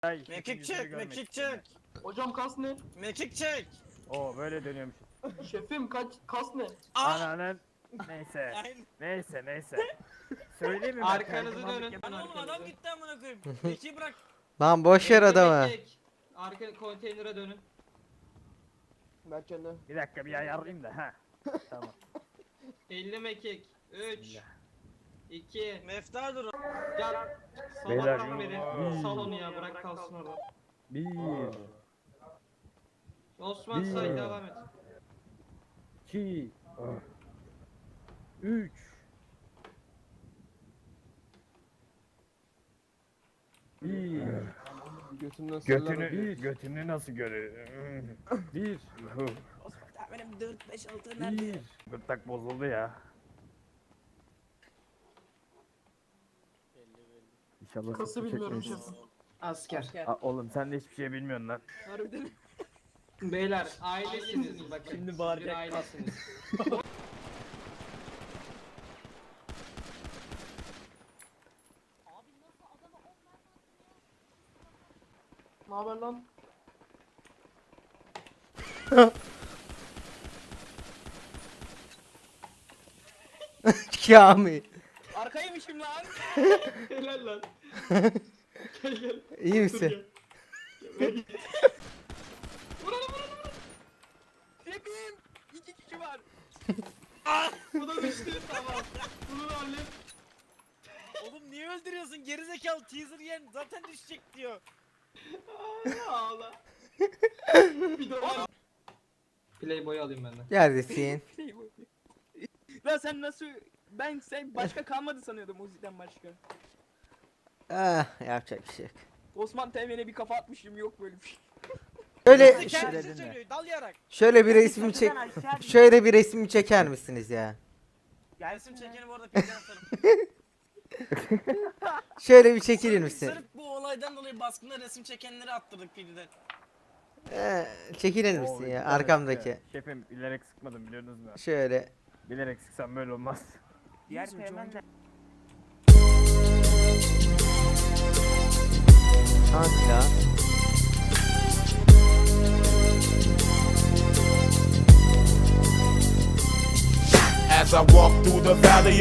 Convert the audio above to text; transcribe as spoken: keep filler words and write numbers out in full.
Ay, Mekik çek, mekik çek. Hocam kas ne? Mekik çek. Oo böyle dönüyormuş. Şefim kaç kas ne? Ananın. Neyse. Aynen. Neyse neyse. Söyleyeyim mi? ben? Arkanızı Tercümanlık dönün. yapayım. Lan oğlum adam gitti amına koyayım. Mekiği bırak. Lan boş yer adamı. Arka konteynere dönün. Berkcan'da. Bir dakika bir ayarlayayım da ha. Tamam. elli mekik. üç, Bismillah. iki, Mefta dur. gel. Beyler, Salaktan beri. bir- Sal onu ya, bırak kalsın orada. Bir. Osman Bir- say, devam et. iki. Üç. Bir. Götümden Götünü, sallarım. bir. Götünü nasıl görüyor? Bir. Benim dört beş altı Bir. Gırtlak bozuldu ya. İnşallah Kası sıkı bilmiyorum çekmeyiz. şefim. Asker. Aa, oğlum sen de hiçbir şey bilmiyorsun lan. Harbiden. Beyler ailesiniz bakın. Şimdi Siz bağıracak. bir ailesiniz. Ne haber lan? Kamil. Arkaymışım lan. Helal lan. Gel gel. İyi Dur misin? gel. Gel. Vuralım vuralım vuralım. Şefim. İki kişi var. Bu da düştü, tamam. Bunu da hallet. Oğlum niye öldürüyorsun? Gerizekalı teaser yen zaten düşecek diyor. Aa, ağla. Bir de var. Playboy alayım ben de. Neredesin? Lan sen nasıl... Ben sen başka kalmadı sanıyordum Uzi'den başka. Ah, yapacak bir şey yok. Osman T V'ne bir kafa atmışım, yok böyle bir şey. Şöyle Kendisi ş- dedin söylüyor dalayarak. şöyle bir resmi çek. Şöyle bir resmi çeker misiniz ya? Resim çekeni bu arada pizden atarım. Şöyle bir çekilir misin? Sırf bu olaydan dolayı baskında resim çekenleri attırdık Pid'den. Ee, çekilir Oo, misin bir ya tane arkamdaki? sıkıyor. Şefim bilerek sıkmadım biliyorsunuz mu? Şöyle. Bilerek sıksam böyle olmaz. Diğer Teğmen de... Kanka. As I walk through the valley